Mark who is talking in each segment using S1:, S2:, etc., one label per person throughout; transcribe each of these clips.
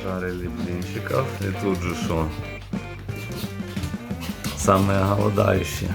S1: Нажарили блинчиков. И тут же что? Самые голодающие.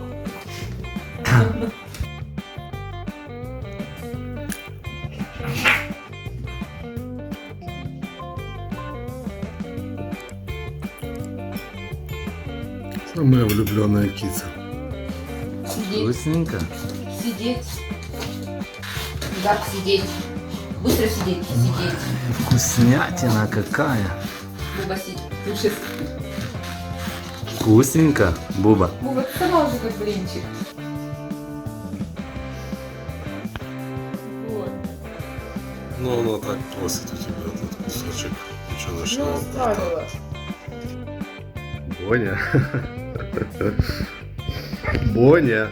S2: Самая влюбленная киса.
S3: Сидеть.
S1: Вкусненько.
S3: Сидеть. Да, сидеть. Быстро сидеть. Сидеть.
S1: Вкуснятина какая.
S3: Буба, сидеть. Лучше.
S1: Вкусненько, Буба.
S3: Буба, ты сама уже как блинчик. Вот.
S2: Ну, она так просит у тебя этот кусочек
S3: Ну,
S2: печеночного
S3: оставила.
S2: Боня. Боня.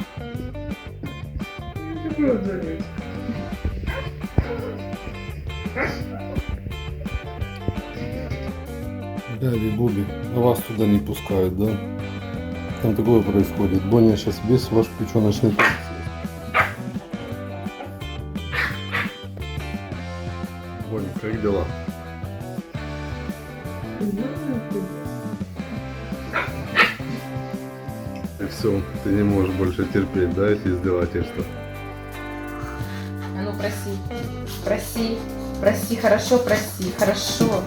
S2: Габи, Буби, а вас туда не пускают, да? Там такое происходит. Боня сейчас весь ваш печеночный торт съест. Боня, как дела? И все, ты не можешь больше терпеть, да, эти издевательства?
S3: А ну проси. Проси. Проси, хорошо, проси. Хорошо.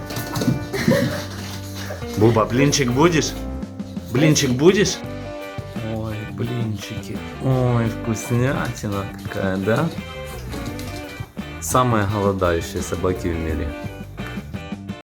S1: Буба, блинчик будешь? Блинчик будешь? Ой, блинчики. Ой, вкуснятина какая, да? Самые голодающие собаки в мире.